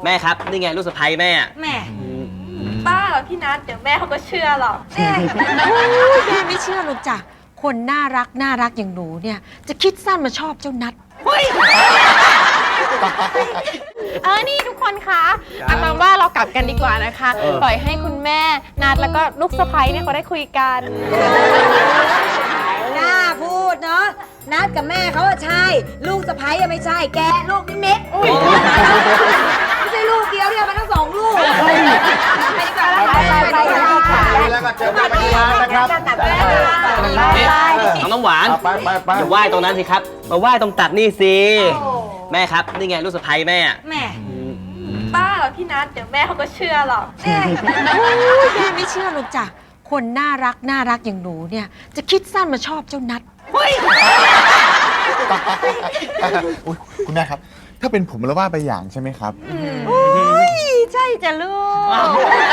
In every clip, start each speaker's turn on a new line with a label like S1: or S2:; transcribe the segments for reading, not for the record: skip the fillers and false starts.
S1: แม่ครับนี่ไงลูกสะใภ้แม่
S2: แม่บ้าเหรอพี่นัทเดี๋ยวแม่เขาก็เชื่อหรอก
S3: แม่ไม่เชื่อหรอกจ้ะคนน่ารักอย่างหนูเนี่ยจะคิดสั้นมาชอบเจ้านัท
S2: นี่ทุกคนคะอาตามว่าเรากลับกันดีกว่านะคะปล่อยให้คุณแม่นัทแล้วก็ลูกสะใภ้เนี่ยเขาได้คุยกัน
S3: น่าพูดเนาะนัทกับแม่เขาใช่ลูกสะใภ้ไม่ใช่แกลูกนิมิตไม่ใช่ลูกเดียวเนี่ยมันทั้งสองลูกไปดีกว่าไป
S4: แล้วก็เจอกันที่ร้านนะครับ
S1: น้ำหวานอย่าไหว้ตรงนั้นสิครับมาไหว้ตรงตักนี่สิแม่ครับนี่ไงลูกสะใภ้แม่
S2: บ้าเหรอพี่นัทเดี๋ยวแม่เขาก็เชื่อหรอก
S3: แม่ไม่เชื่อหรอกจ้ะคนน่ารักอย่างหนูเนี่ยจะคิดสั้นมาชอบเจ้านัท
S4: คุณแม่ครับถ้าเป็นผมแล้วว่าไปอย่างใช่ไหมครับ
S3: ใช่จ้ะลูก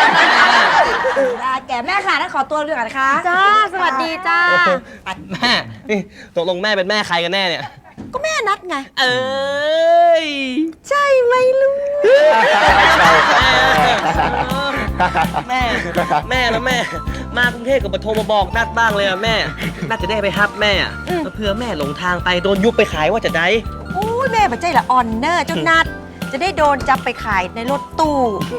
S3: แกแม่ค่ะถ้าขอตัวเรื่องก่อนนะคะจ้าสวัสดีจ้า
S1: แม่นี่ตกลงแม่เป็นแม่ใครกันแน่เนี่ย
S3: ก็แม่นัดไง
S1: ย
S3: ใช่ไหมลูก
S1: แม่แล้วแม่มากรุงเทพกับปฐมมาบอกนัดบ้างเลยอะแม่น่าจะได้ไปฮับแม่เพื่อแม่หลงทางไปโดนยุบไปขายว่าจะได้
S3: โอ้ยแม่บัใจละออนเนอร์เจ้านัดจะได้โดนจับไปขายในรถตู้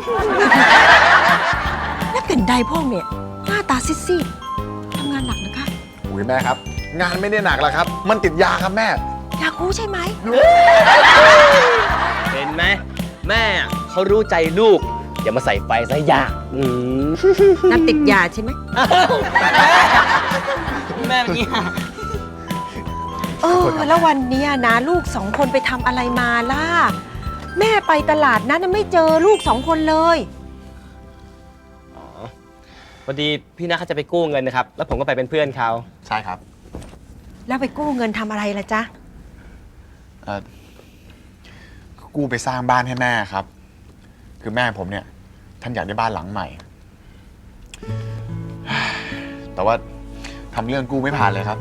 S3: แล้วเป็นใดพ่อเนี่ยหน้าตาซีดๆทำงานหนักนะคะ
S4: อุ้ยแม่ครับงานไม่ได้หนักแล้วครับมันติดยาครับแม่
S3: อยากรู้ใช่ไหม
S1: เห็นไหมแม่เขารู้ใจลูกอย่ามาใส่ไฟซะยาก
S3: นัดติดยาใช่ไหม
S1: แม่เป็นยา
S3: แล้ววันนี้นะลูก2 คนไปทำอะไรมาล่ะแม่ไปตลาดนั้นไม่เจอลูก2 คนเลย
S1: พอดีพี่นัทเขาจะไปกู้เงินนะครับแล้วผมก็ไปเป็นเพื่อนเขา
S4: ใช่ครับ
S3: แล้วไปกู้เงินทำอะไรล่ะจ๊ะ
S4: กู้ไปสร้างบ้านให้แม่ครับคือแม่ผมเนี่ยท่านอยากได้บ้านหลังใหม่แต่ว่าทำเรื่องกู้ไม่ผ่านเลยครับ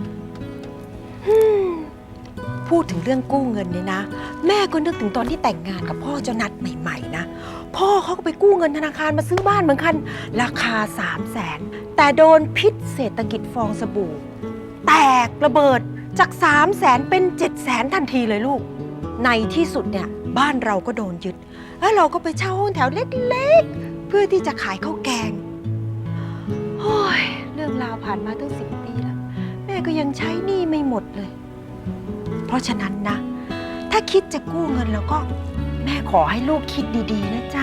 S3: พูดถึงเรื่องกู้เงินเนี่ยนะแม่ก็นึกถึงตอนที่แต่งงานกับพ่อเจ้านัทใหม่ๆนะพ่อเขาก็ไปกู้เงินธนาคารมาซื้อบ้านเหมือนกันราคา300,000แต่โดนพิษเศรษฐกิจฟองสบู่แตกระเบิดจาก300,000เป็น700,000ทันทีเลยลูกในที่สุดเนี่ยบ้านเราก็โดนยึดแล้วเราก็ไปเช่าห้องแถวเล็กๆเพื่อที่จะขายข้าวแกงโอ้ยเรื่องราวผ่านมาตั้ง10 ปีแล้วแม่ก็ยังใช้หนี้ไม่หมดเลยเพราะฉะนั้นนะถ้าคิดจะกู้เงินแล้วก็แม่ขอให้ลูกคิดดีๆนะจ๊ะ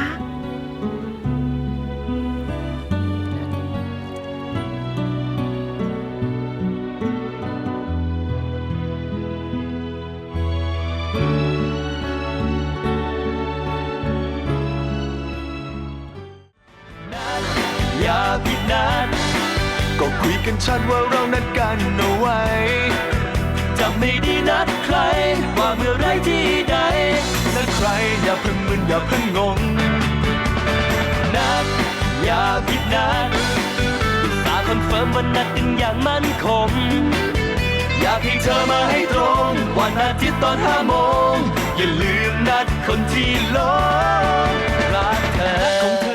S5: อย่าผิดนัดก็คุยกันชัดว่าเรานัดกันเอาไว้จะไม่ได้นัดใครว่าเมื่อไรที่ใดนัดใครอย่าเพิ่งมึนอย่าเพิ่งงงนัดอย่าผิดนัดตาคอนเฟิร์มว่านัดกันอย่างมั่นคงอยากให้เธอมาให้ตรงวันอาทิตย์ตอน5 โมงอย่าลืมนัดคนที่หลงรักเธอ